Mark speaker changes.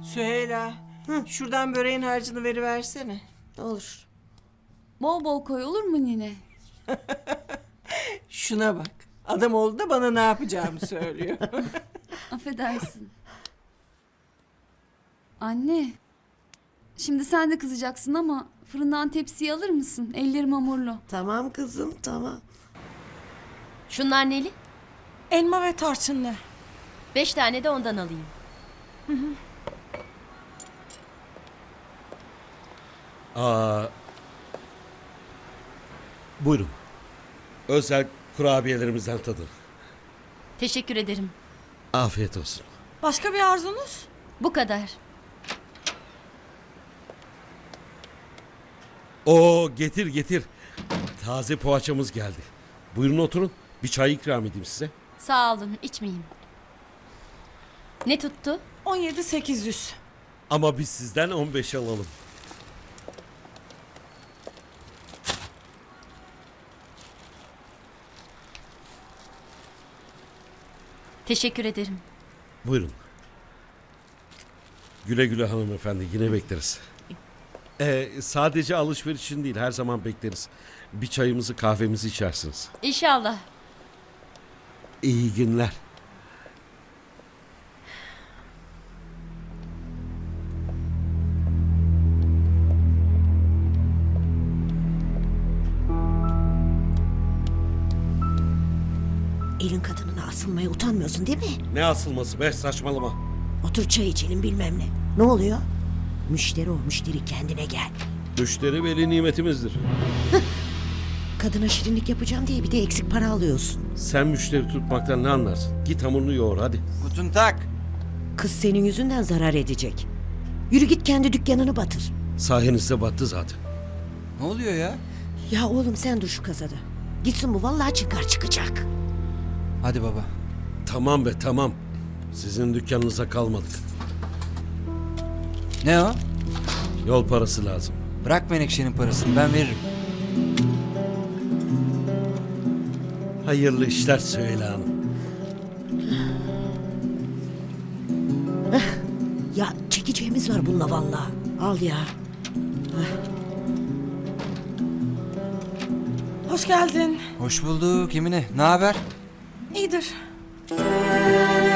Speaker 1: Süheyla, şuradan böreğin harcını veriversene.
Speaker 2: Olur.
Speaker 3: Bol bol koy olur mu nine?
Speaker 1: Şuna bak. Adam oldu da bana ne yapacağımı söylüyor.
Speaker 3: Affedersin. Anne. Şimdi sen de kızacaksın ama fırından tepsiyi alır mısın? Ellerim hamurlu.
Speaker 2: Tamam kızım tamam.
Speaker 4: Şunlar neli?
Speaker 5: Elma ve tarçınlı.
Speaker 4: 5 tane de ondan alayım.
Speaker 6: Buyurun. Özel kurabiyelerimizden tadın.
Speaker 4: Teşekkür ederim.
Speaker 6: Afiyet olsun.
Speaker 5: Başka bir arzunuz?
Speaker 4: Bu kadar.
Speaker 6: Oo, getir getir. Taze poğaçamız geldi. Buyurun oturun. Bir çay ikram edeyim size.
Speaker 4: Sağ olun, içmeyeyim. Ne tuttu?
Speaker 5: 17.800.
Speaker 6: Ama biz sizden 15 alalım.
Speaker 4: Teşekkür ederim.
Speaker 6: Buyurun. Güle güle hanımefendi. Yine bekleriz. Sadece alışveriş için değil, her zaman bekleriz. Bir çayımızı kahvemizi içersiniz.
Speaker 4: İnşallah.
Speaker 6: İyi günler.
Speaker 2: Elin kadınına asılmaya utanmıyorsun değil mi?
Speaker 6: Ne asılması be, saçmalama.
Speaker 2: Otur çay içelim bilmem ne. Ne oluyor? Müşteri o müşteri, kendine gel.
Speaker 6: Müşteri veli nimetimizdir.
Speaker 2: Kadına şirinlik yapacağım diye bir de eksik para alıyorsun.
Speaker 6: Sen müşteri tutmaktan ne anlarsın? Git hamurunu yoğur hadi.
Speaker 7: Guten Tag.
Speaker 2: Kız senin yüzünden zarar edecek. Yürü git kendi dükkanını batır.
Speaker 6: Sayenizde battı zaten.
Speaker 7: Ne oluyor ya?
Speaker 2: Ya oğlum sen dur şu kasada. Gitsin bu vallahi çıkacak.
Speaker 7: Hadi baba.
Speaker 6: Tamam be tamam. Sizin dükkanınıza kalmadık.
Speaker 7: Ne o?
Speaker 6: Yol parası lazım.
Speaker 7: Bırak Menekşe'nin parasını, ben veririm.
Speaker 6: Hayırlı işler Süheyla Hanım.
Speaker 2: Ya çekeceğimiz var bununla vallahi. Al ya.
Speaker 5: Hoş geldin.
Speaker 7: Hoş bulduk Emine. Ne haber?
Speaker 5: İyidir.